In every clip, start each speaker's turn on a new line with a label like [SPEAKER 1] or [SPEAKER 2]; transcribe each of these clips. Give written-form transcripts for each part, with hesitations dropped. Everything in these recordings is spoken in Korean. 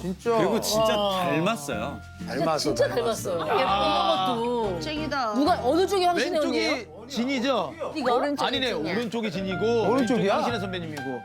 [SPEAKER 1] 진짜.
[SPEAKER 2] 그리고 진짜 닮았어요.
[SPEAKER 1] 닮았어.
[SPEAKER 3] 진짜 닮았어요. 예쁜 것도.
[SPEAKER 4] 쟁이다.
[SPEAKER 3] 누가 어느 쪽이 황신혜 언니예요?
[SPEAKER 5] 왼쪽이 진이죠?
[SPEAKER 3] 이거?
[SPEAKER 5] 아니네, 오른쪽이 진이고
[SPEAKER 1] 오른쪽이야?
[SPEAKER 5] 왼쪽이 황신혜 선배님이고.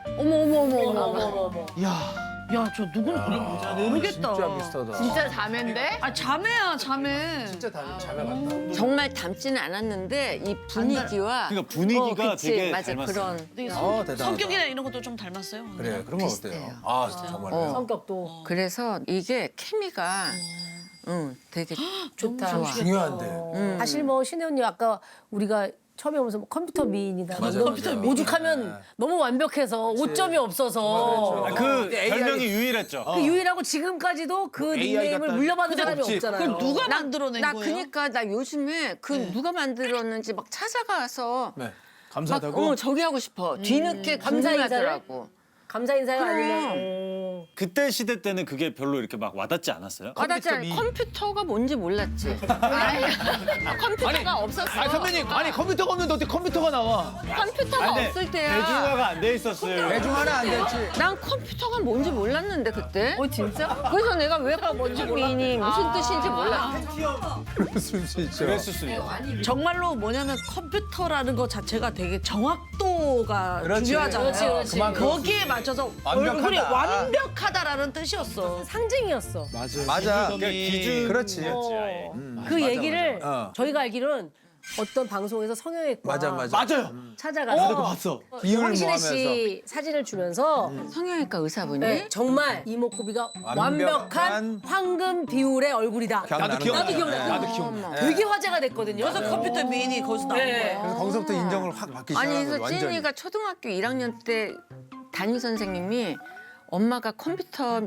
[SPEAKER 3] 어머.
[SPEAKER 5] 이야.
[SPEAKER 4] 야, 저 누군 모르겠다.
[SPEAKER 1] 진짜 비슷하다.
[SPEAKER 6] 진짜 자매인데?
[SPEAKER 4] 아, 자매야, 자매.
[SPEAKER 1] 진짜 자매 같다.
[SPEAKER 6] 정말 닮지는 않았는데 이 분위기와
[SPEAKER 2] 그러니까 분위기가
[SPEAKER 6] 그치,
[SPEAKER 2] 되게
[SPEAKER 6] 맞아
[SPEAKER 2] 닮았어요.
[SPEAKER 6] 그런
[SPEAKER 4] 되게
[SPEAKER 1] 대단하다.
[SPEAKER 4] 성격이나 이런 것도 좀 닮았어요.
[SPEAKER 1] 그래, 그런 건
[SPEAKER 6] 비슷해요.
[SPEAKER 1] 어때요? 아, 정말요?
[SPEAKER 3] 성격도
[SPEAKER 6] 그래서 이게 케미가 되게
[SPEAKER 3] 좋다.
[SPEAKER 6] 좋아.
[SPEAKER 1] 중요한데.
[SPEAKER 3] 사실 뭐 신혜 언니 아까 우리가 처음에 오면서 뭐 컴퓨터 미인이다.
[SPEAKER 1] 맞아,
[SPEAKER 3] 너무
[SPEAKER 1] 맞아.
[SPEAKER 3] 오죽하면 너무 완벽해서 오점이 없어서
[SPEAKER 2] 그
[SPEAKER 1] AI
[SPEAKER 2] 별명이 유일했죠.
[SPEAKER 3] 그 유일하고 지금까지도 그
[SPEAKER 5] AI
[SPEAKER 3] 닉네임을
[SPEAKER 5] 같다.
[SPEAKER 3] 물려받은 사람이
[SPEAKER 5] 없지.
[SPEAKER 3] 없잖아요.
[SPEAKER 4] 그럼 누가 만들어낸
[SPEAKER 6] 나
[SPEAKER 4] 거예요?
[SPEAKER 6] 그니까 나 요즘에 그 누가 만들었는지 막 찾아가서
[SPEAKER 1] 네.
[SPEAKER 6] 막
[SPEAKER 5] 감사하다고?
[SPEAKER 6] 저기 하고 싶어. 뒤늦게
[SPEAKER 3] 감사 인사를?
[SPEAKER 6] 궁금하더라고.
[SPEAKER 3] 감사 인사가
[SPEAKER 6] 그럼.
[SPEAKER 3] 아니면
[SPEAKER 2] 그때 시대 때는 그게 별로 이렇게 막 와닿지 않았어요?
[SPEAKER 6] 와닿지 않아. 컴퓨터가 뭔지 몰랐지. 컴퓨터가 없었어.
[SPEAKER 5] 아니 선배님, 아니 컴퓨터가 없는데 어떻게 컴퓨터가 나와?
[SPEAKER 6] 컴퓨터가
[SPEAKER 2] 근데
[SPEAKER 6] 없을 때야.
[SPEAKER 2] 대중화가 안 돼 있었어요.
[SPEAKER 1] 대중화는 안 됐지.
[SPEAKER 6] 난 컴퓨터가 뭔지 몰랐는데 그때. 진짜? 그래서 내가 왜 뭔지 미니 무슨 뜻인지 몰랐어.
[SPEAKER 1] 그럴 수 있죠.
[SPEAKER 2] 그랬을 수 있어요.
[SPEAKER 4] 정말로 뭐냐면 컴퓨터라는 것 자체가 되게 정확도가
[SPEAKER 1] 그렇지.
[SPEAKER 4] 중요하잖아요.
[SPEAKER 3] 그렇지.
[SPEAKER 1] 그만큼
[SPEAKER 4] 거기에 맞춰서
[SPEAKER 1] 완벽하다.
[SPEAKER 4] 얼굴이 완벽하다라는 뜻이었어.
[SPEAKER 3] 상징이었어.
[SPEAKER 1] 맞아.
[SPEAKER 2] 그러니까 기준
[SPEAKER 1] 그렇지.
[SPEAKER 3] 그 얘기를
[SPEAKER 1] 어.
[SPEAKER 3] 저희가 알기로는 어떤 방송에서 성형외과
[SPEAKER 1] 맞아.
[SPEAKER 5] 맞아요.
[SPEAKER 3] 찾아가서
[SPEAKER 5] 나도 봤어.
[SPEAKER 1] 비율
[SPEAKER 3] 황신혜
[SPEAKER 1] 모하면서.
[SPEAKER 3] 씨 사진을 주면서
[SPEAKER 6] 성형외과 의사분이
[SPEAKER 3] 네, 정말 이목구비가 완벽한 황금 비율의 얼굴이다.
[SPEAKER 1] 기억나는
[SPEAKER 5] 나도
[SPEAKER 1] 거야.
[SPEAKER 5] 기억나.
[SPEAKER 1] 네.
[SPEAKER 5] 나도 기억나.
[SPEAKER 3] 되게 화제가 됐거든요.
[SPEAKER 4] 그래서 컴퓨터 미인이 거기서 나온
[SPEAKER 3] 네.
[SPEAKER 4] 거예요.
[SPEAKER 1] 그래서 거기서부터 인정을 확 받기
[SPEAKER 6] 아니
[SPEAKER 1] 시작한
[SPEAKER 6] 그래서
[SPEAKER 1] 거죠. 완전히.
[SPEAKER 6] 찐이가 초등학교 1학년 때 담임 선생님이 엄마가 컴퓨터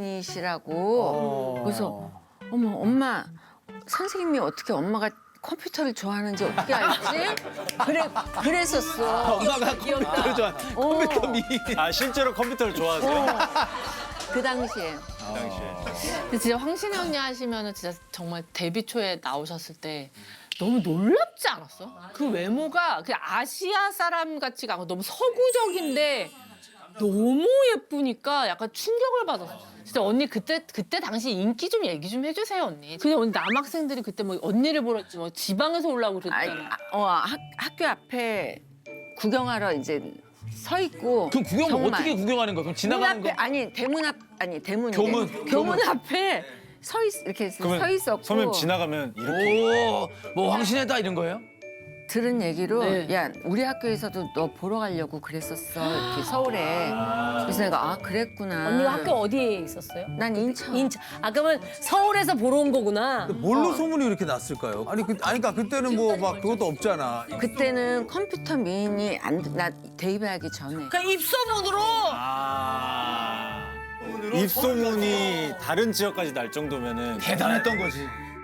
[SPEAKER 6] 미인이시라고 그래서 어머 엄마 선생님이 어떻게 엄마가 컴퓨터를 좋아하는지 어떻게 알지? 그랬었어.
[SPEAKER 5] 엄마가 컴퓨터를 좋아. 컴퓨터 미.
[SPEAKER 2] 아 실제로 컴퓨터를 좋아하세요?
[SPEAKER 6] 그 당시에.
[SPEAKER 2] 그 당시에.
[SPEAKER 7] 근데 진짜 황신혜 언니 하시면은 진짜 정말 데뷔 초에 나오셨을 때 너무 놀랍지 않았어? 그 외모가 그냥 아시아 사람 같지가 않고 너무 서구적인데 너무 예쁘니까 약간 충격을 받았어. 진짜 언니 그때 당시 인기 좀 얘기 좀 해주세요 언니. 그냥 언니 남학생들이 그때 뭐 언니를 보러 뭐 지방에서 올라오고 그랬잖아.
[SPEAKER 6] 학교 앞에 구경하러 이제 서 있고.
[SPEAKER 5] 그럼 구경
[SPEAKER 6] 정말.
[SPEAKER 5] 어떻게 구경하는 거야? 그럼 지나가는 거?
[SPEAKER 6] 대문 앞 아니 대문이
[SPEAKER 5] 교문.
[SPEAKER 6] 앞에 이렇게 서
[SPEAKER 2] 그러면
[SPEAKER 6] 있었고.
[SPEAKER 2] 선배님 지나가면 이렇게
[SPEAKER 5] 오, 뭐 황신혜다 이런 거예요?
[SPEAKER 6] 들은 얘기로
[SPEAKER 7] 네.
[SPEAKER 6] 야 우리 학교에서도 너 보러 가려고 그랬었어 이렇게 서울에. 그래서 내가 그랬구나.
[SPEAKER 3] 언니가 학교 어디에 있었어요?
[SPEAKER 6] 난 인천.
[SPEAKER 3] 인천. 아 그러면 서울에서 보러 온 거구나.
[SPEAKER 1] 뭘로 소문이 이렇게 났을까요? 아니, 그러니까 그때는 뭐 막 그것도 없잖아.
[SPEAKER 6] 그때는 컴퓨터 미인이 나 데뷔하기 전에.
[SPEAKER 4] 그러니까 입소문으로
[SPEAKER 2] 입소문이 다른 지역까지 날 정도면은
[SPEAKER 5] 대단했던 거지.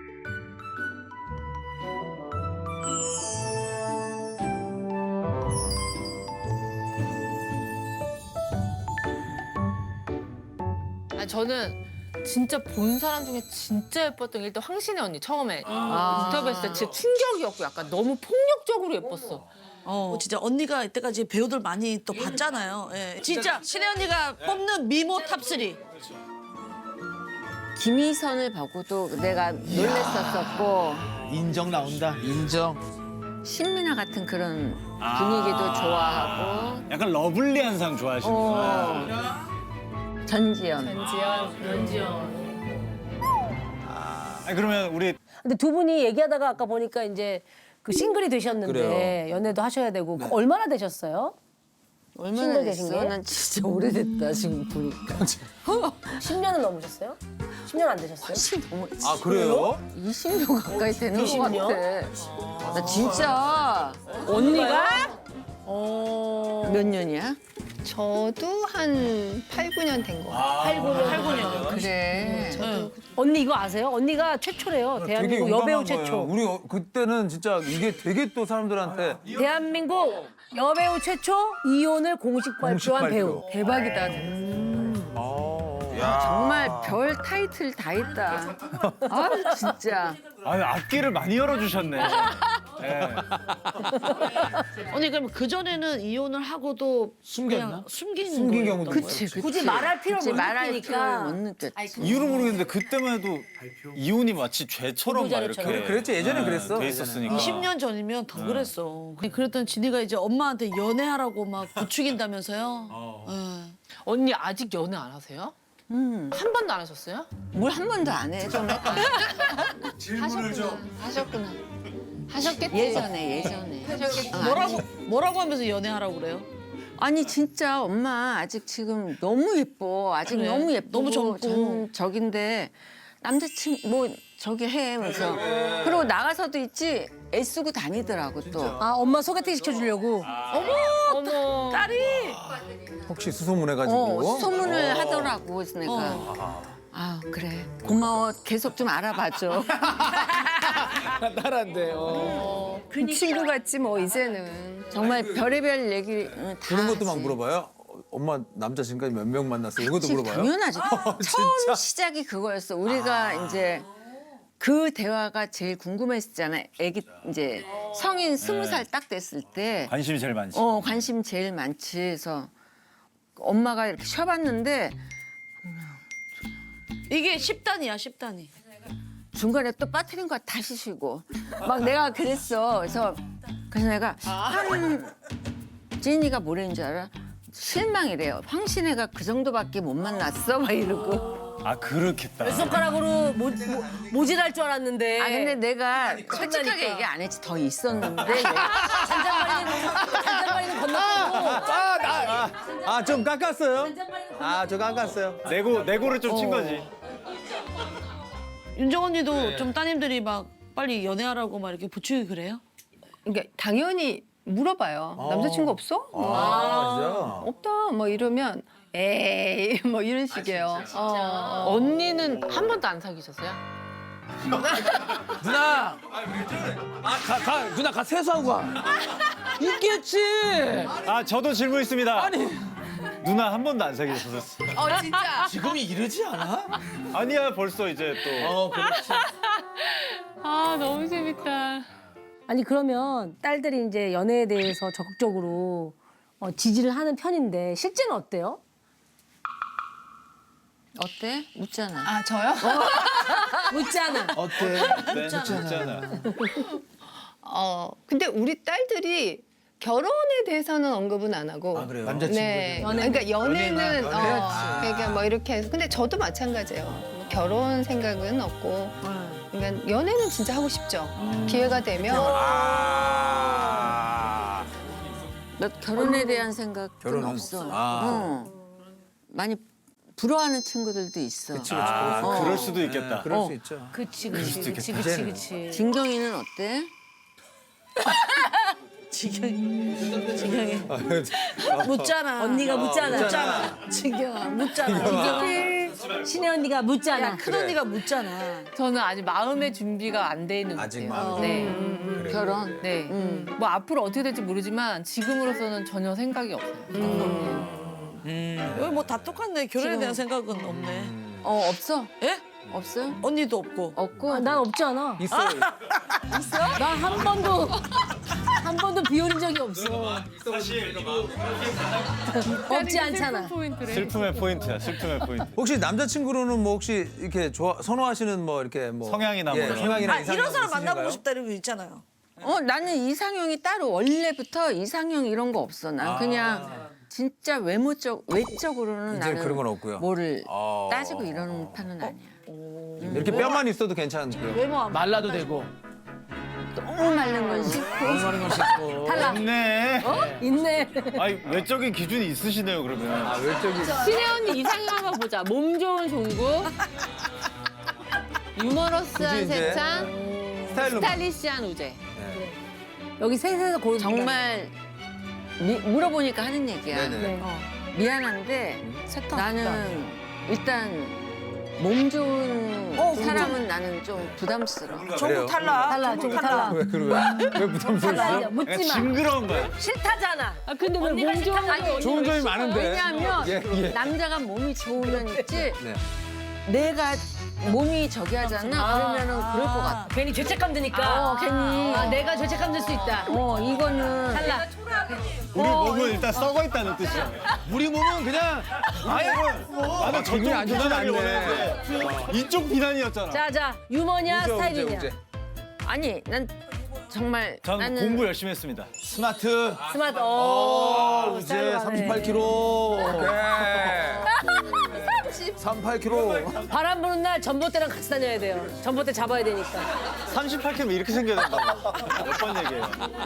[SPEAKER 7] 아니, 저는 진짜 본 사람 중에 진짜 예뻤던 게 일단 황신혜 언니 처음에 인터뷰했을 때 진짜 충격이었고 약간 너무 폭력적으로 예뻤어.
[SPEAKER 4] 진짜 언니가 이때까지 배우들 많이 또 봤잖아요. 예. 진짜 신혜 언니가 뽑는 미모 탑3.
[SPEAKER 6] 김희선을 보고도 내가 놀랬었었고
[SPEAKER 5] 인정 나온다. 인정.
[SPEAKER 6] 신민아 같은 그런 분위기도 좋아하고
[SPEAKER 2] 약간 러블리한 상 좋아하시는구나.
[SPEAKER 6] 전지현.
[SPEAKER 2] 아니, 그러면 우리
[SPEAKER 3] 근데 두 분이 얘기하다가 아까 보니까 이제 그 싱글이 되셨는데
[SPEAKER 1] 그래요.
[SPEAKER 3] 연애도 하셔야 되고 얼마나 되셨어요?
[SPEAKER 6] 얼마나
[SPEAKER 3] 싱글 되신
[SPEAKER 6] 됐어?
[SPEAKER 3] 게?
[SPEAKER 6] 난 진짜 오래됐다 지금 보니까.
[SPEAKER 3] 10년은 넘으셨어요? 10년 안 되셨어요?
[SPEAKER 6] 너무
[SPEAKER 1] 아, 그래요?
[SPEAKER 6] 20년 가까이 되는 것
[SPEAKER 3] 20년?
[SPEAKER 6] 같아. 나 진짜
[SPEAKER 3] 언니가?
[SPEAKER 6] 몇 년이야?
[SPEAKER 8] 저도 한 8, 9년 된 거 같아요.
[SPEAKER 3] 8, 9년.
[SPEAKER 6] 그래.
[SPEAKER 3] 언니 이거 아세요? 언니가 최초래요.
[SPEAKER 1] 되게
[SPEAKER 3] 대한민국
[SPEAKER 1] 용감한
[SPEAKER 3] 여배우
[SPEAKER 1] 거예요.
[SPEAKER 3] 최초.
[SPEAKER 1] 우리 그때는 진짜 이게 되게 또 사람들한테
[SPEAKER 3] 대한민국 여배우 최초 이혼을 공식 발표한
[SPEAKER 1] 발표.
[SPEAKER 3] 배우. 대박이다.
[SPEAKER 6] 정말 별 타이틀 다 있다. 아 진짜.
[SPEAKER 2] 아니, 앞길을 많이 열어주셨네.
[SPEAKER 4] 언니 그럼 그 전에는 이혼을 하고도
[SPEAKER 5] 숨겼나?
[SPEAKER 4] 그냥 숨긴
[SPEAKER 1] 숨긴
[SPEAKER 4] 거였던
[SPEAKER 1] 경우도
[SPEAKER 4] 거예요?
[SPEAKER 1] 있고.
[SPEAKER 3] 굳이 말할 필요를
[SPEAKER 6] 그치,
[SPEAKER 3] 못
[SPEAKER 6] 말할
[SPEAKER 3] 느끼니까.
[SPEAKER 6] 필요를 못 느꼈지.
[SPEAKER 2] 이유를 모르겠는데 그때만 해도 이혼이 마치 죄처럼 막 이렇게
[SPEAKER 3] 보도자료처럼.
[SPEAKER 1] 그랬지, 예전엔 그랬어,
[SPEAKER 2] 돼
[SPEAKER 1] 예전엔.
[SPEAKER 2] 있었으니까.
[SPEAKER 4] 20년 전이면 더 그랬어. 그랬더니 진이가 이제 엄마한테 연애하라고 막 부추긴다면서요? 예.
[SPEAKER 7] 언니 아직 연애 안 하세요? 한 번도 안 하셨어요?
[SPEAKER 6] 뭘 한 번도 안 해. 좀
[SPEAKER 8] 하셨구나. 하셨겠지.
[SPEAKER 6] 예전에.
[SPEAKER 4] 뭐라고 하면서 연애하라고 그래요?
[SPEAKER 6] 아니 진짜 엄마 아직 지금 너무 예뻐. 아직
[SPEAKER 4] 그래?
[SPEAKER 6] 너무 예쁘고
[SPEAKER 4] 너무 젊고.
[SPEAKER 6] 저긴데 남자친구 뭐 저기 해. 그래서 그리고 나가서도 있지 애쓰고 다니더라고 또.
[SPEAKER 3] 아 엄마 소개팅 시켜주려고.
[SPEAKER 7] 어머.
[SPEAKER 4] 딸이
[SPEAKER 1] 혹시 수소문해가지고.
[SPEAKER 6] 소문을 하더라고. 그래서 내가 아 그래 고마워. 계속 좀 알아봐줘.
[SPEAKER 5] 딸한테.
[SPEAKER 8] 그 친구 같지 뭐 이제는.
[SPEAKER 6] 정말 별의별 얘기 다
[SPEAKER 1] 그런 것도 막
[SPEAKER 6] 하지.
[SPEAKER 1] 물어봐요. 엄마 남자 지금까지 몇 명 만났어? 이런 것도
[SPEAKER 6] 그치,
[SPEAKER 1] 물어봐요?
[SPEAKER 6] 당연하지. 처음 시작이 그거였어. 우리가 이제 그 대화가 제일 궁금했잖아. 애기 이제 성인 20살 딱 됐을 때
[SPEAKER 2] 관심이 제일 많지.
[SPEAKER 6] 관심 제일 많지. 그래서 엄마가 이렇게 쉬어봤는데
[SPEAKER 4] 이게 10단이야 10단이.
[SPEAKER 6] 중간에 또 빠뜨린 거 다시 쉬고 막 내가 그랬어. 그래서 내가 지인이가 뭐라는 줄 알아? 실망이래요. 황신혜가 그 정도밖에 못 만났어? 막 이러고.
[SPEAKER 2] 아 그렇겠다.
[SPEAKER 3] 손가락으로 모질할 줄 알았는데.
[SPEAKER 6] 아 근데 내가 솔직하게 얘기 안 했지. 더 있었는데.
[SPEAKER 3] 잔잔바리는 건너뛰고.
[SPEAKER 1] 좀 깎았어요? 좀 깎았어요.
[SPEAKER 2] 내고를 좀 친 거지.
[SPEAKER 4] 윤정 언니도 좀 따님들이 막 빨리 연애하라고 막 이렇게 부추기 그래요?
[SPEAKER 8] 그러니까 당연히 물어봐요. 남자친구 없어?
[SPEAKER 1] 진짜?
[SPEAKER 8] 없다. 뭐 이러면 에이 뭐 이런 식이에요.
[SPEAKER 7] 언니는 한 번도 안 사귀셨어요?
[SPEAKER 5] 누나. 누나 가 세수하고 가. 있겠지.
[SPEAKER 2] 아 저도 질문 있습니다.
[SPEAKER 5] 아니
[SPEAKER 2] 누나 한 번도 안 사귀셨었어.
[SPEAKER 5] 지금이 이러지 않아?
[SPEAKER 2] 아니야 벌써 이제 또.
[SPEAKER 5] 그렇지.
[SPEAKER 7] 아 너무 재밌다.
[SPEAKER 3] 아니 그러면 딸들이 이제 연애에 대해서 적극적으로 지지를 하는 편인데 실제는 어때요?
[SPEAKER 6] 어때? 묻잖아.
[SPEAKER 8] 아 저요?
[SPEAKER 3] 묻잖아.
[SPEAKER 5] 어때?
[SPEAKER 2] 묻잖아.
[SPEAKER 8] 근데 우리 딸들이 결혼에 대해서는 언급은 안 하고.
[SPEAKER 1] 아, 그래요?
[SPEAKER 5] 남자친구.
[SPEAKER 8] 네. 그러니까 연애는 그러니까 뭐 이렇게 해서 근데 저도 마찬가지예요. 결혼 생각은 없고. 그러니까 연애는 진짜 하고 싶죠. 기회가 되면.
[SPEAKER 6] 너 결혼에 대한 생각은
[SPEAKER 1] 결혼은?
[SPEAKER 6] 없어. 많이 부러워하는 친구들도 있어.
[SPEAKER 2] 그럴 수도 있겠다.
[SPEAKER 1] 그럴 수 있죠.
[SPEAKER 3] 그치.
[SPEAKER 6] 진경이는 어때?
[SPEAKER 4] 지경이 묻잖아.
[SPEAKER 3] 언니가 묻잖아.
[SPEAKER 4] 지경아 묻잖아.
[SPEAKER 3] 신혜 언니가 묻잖아.
[SPEAKER 4] 큰 언니가 묻잖아.
[SPEAKER 7] 저는 아직 마음의 준비가 안 돼 있는 것
[SPEAKER 1] 아직
[SPEAKER 7] 같아요.
[SPEAKER 1] 마음의
[SPEAKER 7] 네.
[SPEAKER 6] 결혼?
[SPEAKER 7] 네. 뭐 앞으로 어떻게 될지 모르지만 지금으로서는 전혀 생각이 없어요.
[SPEAKER 4] 여기 뭐 다 똑같네. 결혼에 대한 생각은 없네.
[SPEAKER 6] 없어.
[SPEAKER 4] 예?
[SPEAKER 6] 없어?
[SPEAKER 4] 언니도 없고.
[SPEAKER 6] 없고.
[SPEAKER 3] 난 없지 않아.
[SPEAKER 1] 있어요.
[SPEAKER 3] 난 한 번도 비올인 적이 없어. 없지 않잖아.
[SPEAKER 7] 포인트래.
[SPEAKER 2] 슬픔의 포인트야. 슬픔의 포인트.
[SPEAKER 1] 혹시 남자친구로는 뭐 혹시 이렇게 선호하시는 뭐 이렇게 뭐
[SPEAKER 2] 성향이나 뭐 이런
[SPEAKER 1] 성향이나
[SPEAKER 4] 이런 사람
[SPEAKER 1] 이상형
[SPEAKER 4] 만나보고
[SPEAKER 1] 있으신가요?
[SPEAKER 4] 싶다 이런 거 있잖아요.
[SPEAKER 6] 나는 이상형이 따로 원래부터 이상형 이런 거 없어. 난 그냥 진짜 외적으로는
[SPEAKER 1] 이제
[SPEAKER 6] 나는
[SPEAKER 1] 그런 건 없고요.
[SPEAKER 6] 뭐를
[SPEAKER 1] 아.
[SPEAKER 6] 따지고 이러는 편은 아니야.
[SPEAKER 1] 이렇게 뼈만 있어도 괜찮고요.
[SPEAKER 4] 외모 안
[SPEAKER 5] 말라도 되고.
[SPEAKER 6] 너무 마른 건 싫고.
[SPEAKER 5] 하는 건 싫고.
[SPEAKER 3] 탈락.
[SPEAKER 2] 있네.
[SPEAKER 3] 있네.
[SPEAKER 2] 아니 외적인 기준이 있으시네요 그러면.
[SPEAKER 1] 외적인
[SPEAKER 7] 신혜 언니 이상형 한번 보자. 몸 좋은 종국. 유머러스한
[SPEAKER 1] 굳이 이제
[SPEAKER 7] 세찬.
[SPEAKER 1] 스타일로
[SPEAKER 7] 스타일리시한 우재.
[SPEAKER 3] 여기 셋에서 고르
[SPEAKER 6] 정말 물어보니까 하는 얘기야.
[SPEAKER 1] 네네.
[SPEAKER 6] 미안한데 나는 일단 몸 좋은 사람은 나는 좀 부담스러워.
[SPEAKER 1] 그래요?
[SPEAKER 4] 전부 탈락.
[SPEAKER 3] 좀 탈락.
[SPEAKER 1] 왜 부담스러웠어?
[SPEAKER 3] 탈락. 묻지
[SPEAKER 2] 그냥
[SPEAKER 3] 마.
[SPEAKER 2] 징그러운 거야.
[SPEAKER 3] 싫다잖아.
[SPEAKER 7] 아 근데 왜 몸 좋은 거
[SPEAKER 1] 좋은 점이 많은데.
[SPEAKER 6] 왜냐하면
[SPEAKER 1] 예.
[SPEAKER 6] 남자가 몸이 좋으면 있지
[SPEAKER 1] 네.
[SPEAKER 6] 내가 몸이 저기 하잖아. 그러면은 그럴 것 같아.
[SPEAKER 3] 괜히 죄책감 드니까.
[SPEAKER 6] 괜히.
[SPEAKER 3] 아, 내가 죄책감 들 수 있다.
[SPEAKER 6] 이거는
[SPEAKER 3] 탈락.
[SPEAKER 2] 우리 몸은 일단 썩어 있다는 뜻이야.
[SPEAKER 1] 우리 몸은 그냥 아예
[SPEAKER 2] 나는
[SPEAKER 1] 기분이 안 좋진
[SPEAKER 2] 비난하길
[SPEAKER 1] 않네.
[SPEAKER 2] 원했는데 이쪽 비난이었잖아.
[SPEAKER 3] 자, 유머냐, 스타일이냐.
[SPEAKER 6] 아니 난 정말
[SPEAKER 2] 저는
[SPEAKER 6] 나는
[SPEAKER 2] 공부 열심히 했습니다.
[SPEAKER 1] 스마트.
[SPEAKER 3] 스마트.
[SPEAKER 1] 이제 38kg. 그래. 38kg.
[SPEAKER 3] 바람 부는 날 전봇대랑 같이 다녀야 돼요. 전봇대 잡아야 되니까.
[SPEAKER 2] 38kg 이렇게 생겨야 된다고. 몇 번 얘기해요.